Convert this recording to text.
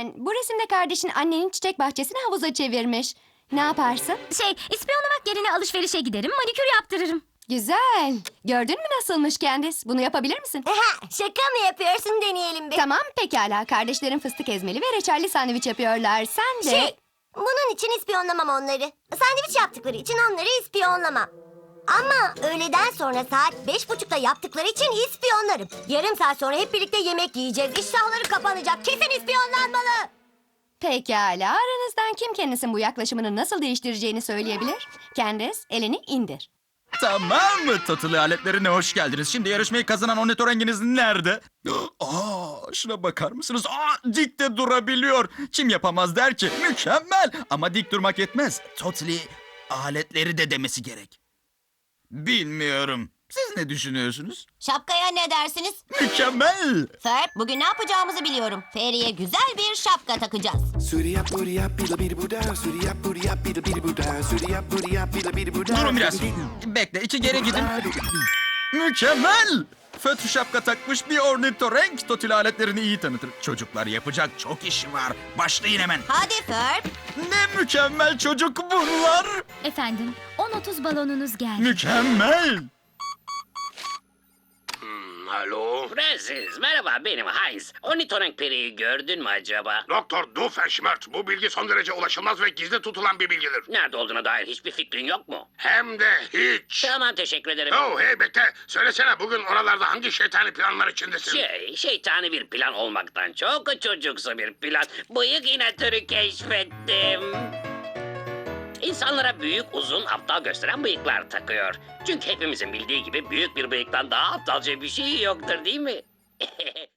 Ben, bu resimde kardeşin annenin çiçek bahçesini havuza çevirmiş. Ne yaparsın? İspiyonlamak yerine alışverişe giderim, manikür yaptırırım. Güzel. Gördün mü nasılmış Candice? Bunu yapabilir misin? Şaka mı yapıyorsun, deneyelim bir. Tamam, pekala. Kardeşlerin fıstık ezmeli ve reçelli sandviç yapıyorlar. Sen de... Bunun için ispiyonlamam onları. Sandviç yaptıkları için onları ispiyonlamam. Ama öğleden sonra saat 5.30'da yaptıkları için ispiyonlarım. Yarım saat sonra hep birlikte yemek yiyeceğiz. İştahları kapanacak. Kesin ispiyonlanmalı. Pekala. Aranızdan kim kendisinin bu yaklaşımını nasıl değiştireceğini söyleyebilir? Candice, elini indir. Tamam mı? Tatlı aletlerine hoş geldiniz. Şimdi yarışmayı kazanan ornitorenginiz nerede? Şuna bakar mısınız? Dik de durabiliyor. Kim yapamaz der ki? Mükemmel. Ama dik durmak yetmez. Totally aletleri de demesi gerek. Bilmiyorum. Siz ne düşünüyorsunuz? Şapkaya ne dersiniz? Mükemmel. Ferb, bugün ne yapacağımızı biliyorum. Feri'ye güzel bir şapka takacağız. Durun biraz. Bekle, iki geri gidin. Mükemmel. Fötr şapka takmış bir ornitorenk Totally aletlerini iyi tanıtır. Çocuklar, yapacak çok işi var. Başlayın hemen. Hadi Ferb. Ne mükemmel çocuk bunlar. Efendim, 10.30 balonunuz geldi. Mükemmel. Alo? Francis, merhaba, benim Heinz. Ornitorenk periyi gördün mü acaba? Doktor Doofenshmirtz, bu bilgi son derece ulaşılmaz ve gizli tutulan bir bilgidir. Nerede olduğuna dair hiçbir fikrin yok mu? Hem de hiç. Tamam, teşekkür ederim. Oh hey bekle. Söylesene, bugün oralarda hangi şeytani planlar içindesin? Şeytani bir plan olmaktan çok çocuksu bir plan. Bıyık inatörü keşfettim. İnsanlara büyük, uzun, aptal gösteren bıyıklar takıyor. Çünkü hepimizin bildiği gibi büyük bir bıyıktan daha aptalca bir şey yoktur, değil mi?